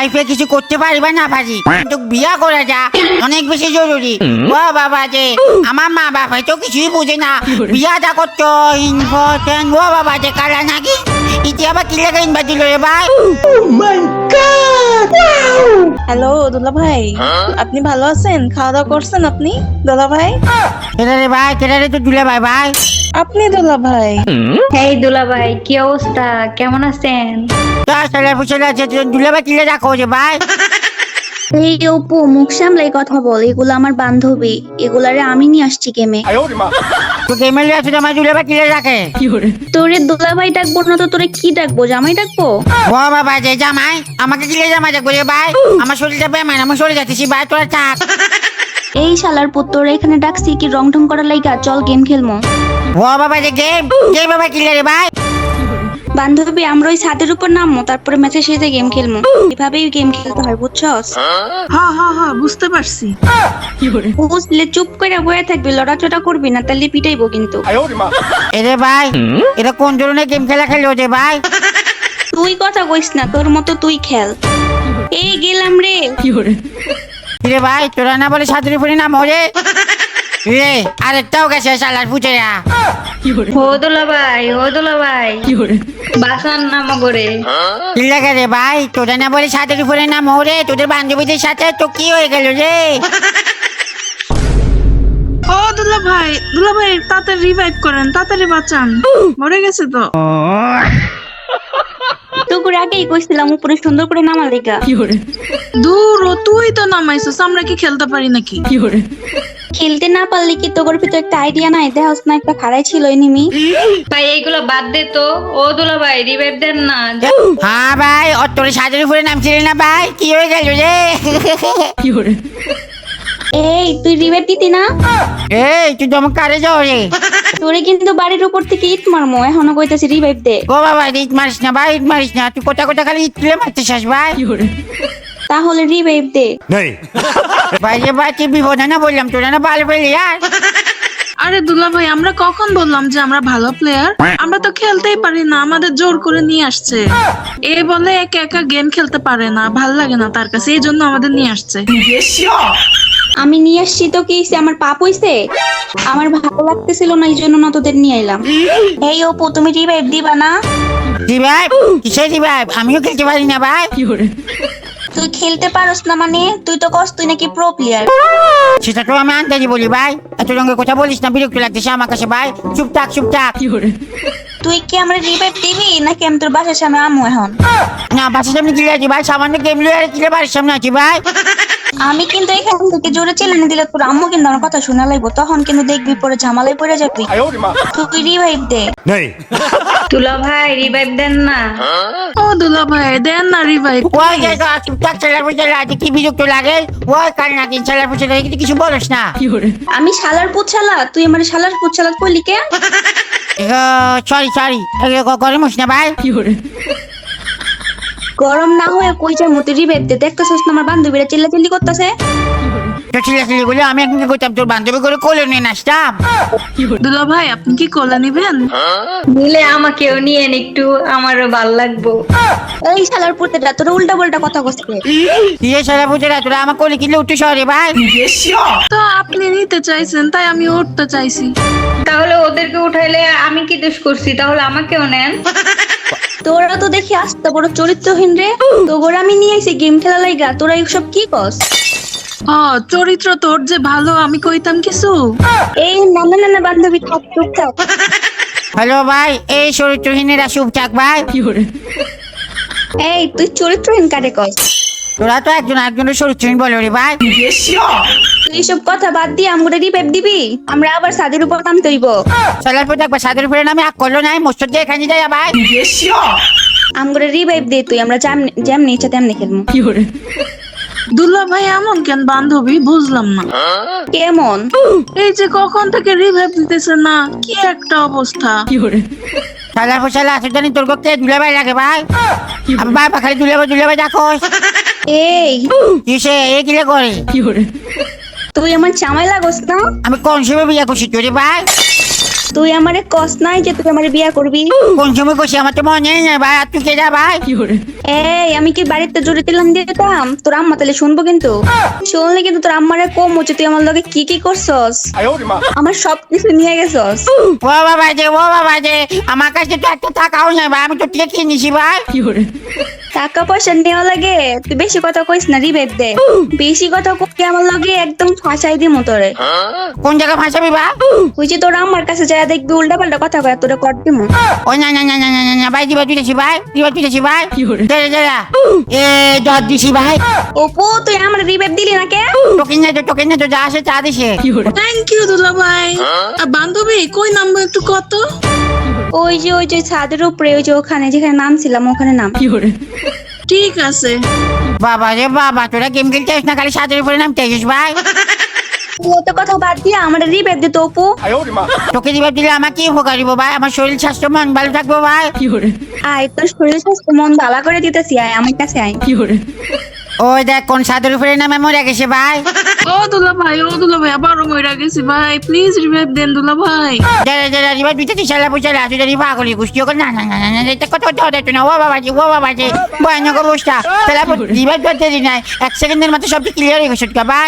লাইফে কিছু করতে পারি বা না পারি, কিন্তু বিয়া করাটা অনেক বেশি জরুরি। ও বাবা যে আমার মা বাবা তো কিছুই বুঝে না, বিয়াটা করতো ইম্পর্টেন্ট। ও বাবা যে কারা নাকি ইতি আবার কি লেগে ইনভাইট দিল রে ভাই। হ্যালো দুলা ভাই, আপনি ভালো আছেন? খাওয়া দাওয়া করছেন আপনি দুলা ভাই? কেডা রে ভাই, কেডা রে তো দুলা ভাই ভাই? আপনি দুলা ভাই? এই দুলা ভাই, কি অবস্থা, কেমন আছেন? দুলা ভাই কিলে রাখো যে ভাই। এই অপু, মুখ সামলাই কথা বল, এগুলো আমার বান্ধবী, এগুলারে আমি নিয়ে আসছি গেমে। তো গেমের আছে আমার দুলা ভাই কিলে রাখে। তোরে দুলা ভাই ডাকবো না তো তোরে কি ডাকবো, জামাই ডাকবো? ও বাবা যে জামাই, আমাকে কিলে জামাই ডাকবো রে ভাই। আমার শরীরটা বেমান, আমি সরে যাচ্ছি ভাই, তোরা থাক। এই শালার পুত্র এখানে ডাকছি কি রং ঢং করার লাইগা? চল গেম খেলমো। ও বাবা যে গেম গেম বাবা কিলে রে ভাই। বান্ধবী আমরা ওই ছাদের উপর নামবো, তারপরে ম্যাচের শেষে গেম খেলমো। এভাবেই গেম খেলতে হয়, বুঝছস? হ্যাঁ হ্যাঁ হ্যাঁ, বুঝতে পারছি। বুঝলে চুপ করে বয়ে থাকবি, লড়াচড়া করবি না, তাহলে পিটাইবো কিন্তু। এরে ভাই, এটা কোন ধরনের গেম খেলা খেলো যে ভাই? তুই কথা কইস না, তোর মতো তুই খেল। এই গেলাম রে। রে ভাই, তোরা না বলে সাঁতুরি ফুরি নাম হরে রে, আরেকটাও গেছে শালার ফুটেরা। ও দুলা ভাই বাসান নাম করে। কি লাগে রে ভাই, তোরা না বলে সাঁতুরি ফুরি নাম হরে, তোদের বান্ধবীদের সাথে তো কি হয়ে গেল রে? ও দুলা ভাই তাড়াতাড়ি রিভাইভ করেন, তাড়াতাড়ি বাঁচান, মরে গেছে তো। তোকে আগেই কইছিলাম উপরে সুন্দর করে নামা লেগা। দূর ও, তুই তো নামাইছিস, আমরা কি খেলতে পারি নাকি? খেলতে না পারলে কি তোর ভিতর একটা আইডিয়া নাই? দেখাস না একটা খাড়াই ছিল এনিমি। ভাই এইগুলো বাদ দে তো। ও দুলা ভাই রিভাইভ দেন না। হ্যাঁ ভাই, ও তোর সাঁতুরি ফুরি নাম ছিল না ভাই, কি হয়ে গেল রে? এই তুই রিভাইভ দিতি না? এই তুই তো আমার কারে যাও রে? তোরে কিন্তু বাড়ির উপর থেকে ইট মারমো, এখনো কইতাছি রিভাইভ দে। ও বাবা ইট মারিস না ভাই, ইট মারিস না, তুই কোথা কোথা খালি ইট তুলে মারতেছিস ভাই। তাহলে রিভাইভ দে। ভাই রে ভাই, তুই বিপদ না বললাম, তোরা না ভালো পেলি আর। আরে দুলা ভাই, আমরা কখন বললাম যে আমরা ভালো প্লেয়ার? আমরা তো খেলতেই পারি না, আমাদের জোর করে নিয়ে আসছে। এ বলে একা একা গেম খেলতে পারে না, ভাল লাগে না তার কাছে, এই জন্য আমাদের নিয়ে আসছে। আমি নিয়ে আসছি তো কি হইছে? আমার পাপ হইছে? আমার ভালো লাগতেছিল না, এই জন্য না তোদের নিয়ে এলাম। এই অপু, তুমি রিভাইভ দিবা না? রিভাইভ? কিসের রিভাইভ? আমিও খেলতে পারি না ভাই। তুই খেলতে পারস না মানে? তুই তো কস তুই নাকি প্রো প্লেয়ার। সেটা তো আমি আন্দাজি বলি ভাই, এত রঙের কথা বলিস না, বিরক্ত লাগতেছে আমার কাছে ভাই। চুপ থাক চুপ থাক। তুই কি আমরা রিভাইভ দিবি নাকি আমি তোর বাসার সামনে আমু এখন? না, বাসার সামনে কিলে আছি ভাই, সামান্য গেম লিয়ে আর কিলে বাড়ির সামনে আছি ভাই। আমি কিন্তু এখান থেকে জোরে চেল্লানি দিলে তোর আম্মু কিন্তু আমার কথা শোনা লাগবো, তখন কিন্তু দেখবি পরে ঝামেলায় পড়ে যাবি। তুই রিভাইভ দে। দুলা ভাই রিভাইভ দেন না। ও দুলা ভাই, দেন না রিভাইভ। ওই যে চুপ থাক, ছেলের পুজো লাগে, কি বিরক্ত লাগে। ওই কাল নাকি ছেলের পুজো লাগে, কিন্তু কিছু বলিস না। আমি শালার পুচ্ছালা? তুই আমার শালার পুচ্ছালা কইলি কে? সরি সরি, গরম হোস না ভাই। গরম না হয়ে কই যার মতো রিভাইভ দে। দেখতেছস না আমার বান্ধবীরা চিল্লাচিল্লি করতেছে। তো ছেলে গুলো আমি এখন কি করতাম, তোর বান্ধবী করে কোলে নিয়ে নাচতাম। দুলা ভাই, আপনি কি কোলে নিবেন? নিলে আমাকেও নিয়েন একটু, আমারও ভাল লাগবো। এই শালার পুতেরা, তোরা উল্টা পাল্টা কথা কইছিস। দিয়ে ছেলের পুজো তোরা আমার কোলে কিনলে উঠতে সরে ভাই। তো আপনি নিতে চাইছেন তাই আমি উঠতে চাইছি। তাহলে ওদেরকে উঠাইলে আমি কি দোষ করছি? তাহলে আমাকেও নেন। তোরা তো দেখি আস্তে বড় চরিত্রহীন রে। তোরা আমি নিয়ে আইছি গেম খেলা লাইগা, তোরা এইসব কি কস? চরিত্র তোর যে ভালো, আমি কইতাম কিছু? এই না না না বান্ধবী, থাক চুপ থাক। হ্যালো ভাই, এই চরিত্রহীনেরা চুপ থাক ভাই। এই তুই চরিত্রহীন কারে কস? তোরা তো একজন একজনের চরিত্রহীন বলো রে ভাই। তুই এইসব কথা বাদ দিয়ে আমরা রিভাইভ দিবি, আমরা আবার ছাদের উপর নামতে হইব। ছেলের পুজো একবার সাদের উপরে নামে আগ করলো নাই, মস্ত দিয়ে এখানে যাই ভাই। আমরা রিভাইভ দে, তুই আমরা যেমনি ইচ্ছা তেমনি খেলবো। দুলা ভাই এমন কেন বান্ধবী, বুঝলাম না। কেমন? এই যে কখন থেকে রিভাইভ দিতেছে না, কি একটা অবস্থা। ছেলের পোশালে আসে জানি তোর কে দুলে ভাই লাগে ভাই। আমি ভাই পাখালি দুলে ভাই দেখো। এই কিসে এ কিলে করে? তুই আমার জামাই লাগোস না? আমি কোন সময় বিয়ে করছি তোরে ভাই? তুই আমারে কস নাই যে তুই আমারে বিয়া করবি? কোন সময় কইছি আমার তো মনে নেই ভাই, আর তুই কে যা ভাই? এই আমি কি বাড়িতে জোরে দিলাম দিতাম তোর আম্মা তাহলে শুনবো, কিন্তু শুনলে কিন্তু তোর আম্মারে কম হচ্ছে তুই আমার লগে কি কি করছস, আমার সবকিছু নিয়ে গেছস। ও বাবা যে, ও বাবা যে, আমার কাছে তো একটা টাকাও নেই ভাই, আমি তো টিকে কিনে নিছি ভাই। টাকা পয়সা নেওয়া লাগে, তুই বেশি কথা কইস না, রিবেট দে। বেশি কথা কই আমার লগে একদম ফাঁসাই দিমু তোরে। কোন জায়গায় ফাঁসাবি ভাই? ওই যে তোর আম্মার কাছে যায় দেখবি উল্টা পাল্টা কথা কয় তোরে কর দিমু। ও না না না না না না ভাই, দিবা তুলেছি ভাই, দিবা তুলেছি ভাই। দাঁড়া দাঁড়া, এ দর দিছি ভাই। অপু তুই আমার রিবেট দিলি না কে? তোকে না তো যা আসে চা দিছে। থ্যাংক ইউ দুলা ভাই। আর বান্ধবী কই নামবো একটু কত? ওই যে ছাদের উপরে ওই যে ওখানে যেখানে নামছিলাম ওখানে নাম। ঠিক আছে। বাবা রে বাবা, তোরা গেম খেলতে আসিস না, খালি সাদের উপরে নামতে আসিস ভাই। অত কথা বাদ দিয়া আমার রিবেট দে তো অপু। তোকে দিবা দিলে আমার কি উপকার দিব ভাই? আমার শরীর স্বাস্থ্য মন ভালো থাকবো ভাই। আয় তোর শরীর স্বাস্থ্য মন ভালো করে দিতেছি, আয় আমার কাছে আয়। ওই দেখ কোন সাদের উপরে নামে মরে গেছে ভাই। ও দুলা ভাই আবারও মইরা গেছি ভাই, প্লিজ রিভাইভ দেন দুলা ভাই। দাঁড়া দাঁড়া, রিবা দুইটা তিসালা পুচালা তুই রিবা করি গুষ্টি ওকে না না না না না, এটা কত হতো না। ও বাবা জি, ও বাবা জি, ভয়ানক অবস্থা। তাহলে রিবা করতে দিই নাই, 1 সেকেন্ডের মধ্যে সব ক্লিয়ার হয়ে গেছে ভাই।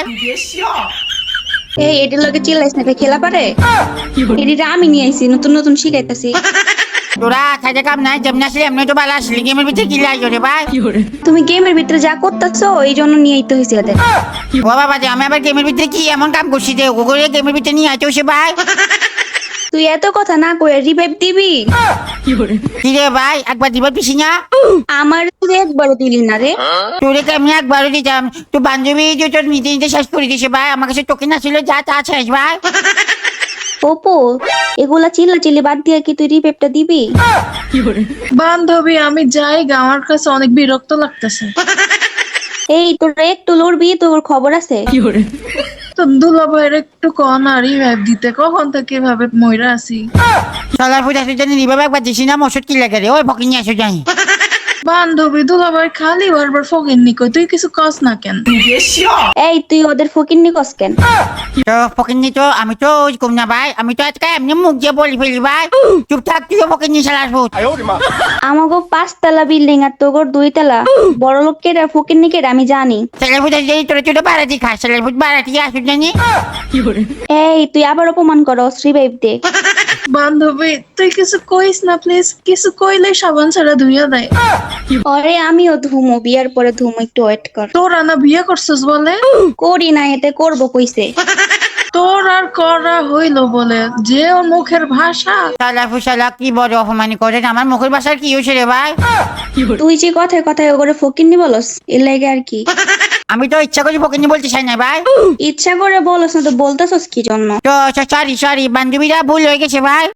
এই এটির লগে চিল্লাইস না, খেলা পারে? এটিটা আমি নিয়ে আইছি, নতুন নতুন শিখাইতাছি। তোরা খাইতে কাম নাই, যেমন আসলে এমনি তো ভালো আসলি, গেমের ভিতরে কি লাগছে রে ভাই? তুমি গেমের ভিতরে যা করতেছো এই জন্য নিয়ে আইতে হয়েছে ওদের। ও বাবা যে, আমি আবার গেমের ভিতরে কি এমন কাম করছি যে ওগুলো গেমের ভিতরে নিয়ে আইতে হচ্ছে ভাই? তুই এত কথা না কয়ে রিভাইভ দিবি? কি রে ভাই, একবার দিবার পিছি না? আমার তুই একবারও দিলি না রে। তোরে তো আমি একবারও দিতাম, তো বান্ধবী যে তোর নিতে নিতে শেষ করে দিছে ভাই, আমার কাছে টোকেন আসছিল যা তা শেষ ভাই। অপু এগুলা চিল্লা চিল্লি বাদ দিয়ে কি তুই রিভাইভটা দিবি? বান্ধবী আমি যাই গা, আমার কাছে অনেক বিরক্ত লাগতেছে। এই তোর একটু লড়বি, তোর খবর আছে? তো দুলা ভাইয়ের একটু কন আর রিভাইভ দিতে, কখন থেকে এভাবে মইরা আছি। চলার পূজা তুই জানি রিভাবে একবার দিছি না, ওষুধ কি লাগে রে? ওই ফকিং নিয়ে আসো জানি। বান্ধবী দুলা ভাই খালি বারবার ফকির নিকই, তুই কিছু কস না কেন? এই তুই ওদের ফকিন্নি কস কেন? তো ফকিং নি তো আমি তো ওই কম না ভাই, আমি তো আজকে এমনি মুখ দিয়ে বলি ফেলি ভাই। চুপ থাক, তুইও ফকিং নিয়ে চালাস ভূত। আমাগো 5 তলা বিল্ডিং আর তোর 2 তলা, বড় লোক কেডা ফকিন্নি কেডা আমি জানি। চলার পূজা যদি তোরা ছোট বাড়াতি খাস, চলার ভূত বাড়াতি আসো জানি। এই তুই আবার অপমান করস, রিভাইভ দে। বান্ধবী তুই কিছু কইস না প্লিজ, কিছু কইলে সাবান ছাড়া ধুইয়া দেয়। আরে আমিও ধুমো, বিয়ার পরে ধুমো, একটু ওয়েট কর। তোরা না বিয়ে করছিস বলে? করি না, এতে করবো কইছে। তোর আর করা হইলো বলে, যে ওর মুখের ভাষা। চলা ফুসালা কি বড় অপমানি করেন, আমার মুখের বাসার কি হয়েছে রে ভাই? তুই যে কথায় কথায় ওগরে ফকিন্নি বলস, এর লাগে আর কি। আমি তো ইচ্ছা করি ফকিং নি বলতে চাই না ভাই। ইচ্ছা করে বলস না তো বলতেছস কি জন্য? তো সরি সরি, বান্ধবীরা ভুল হয়ে গেছে ভাই।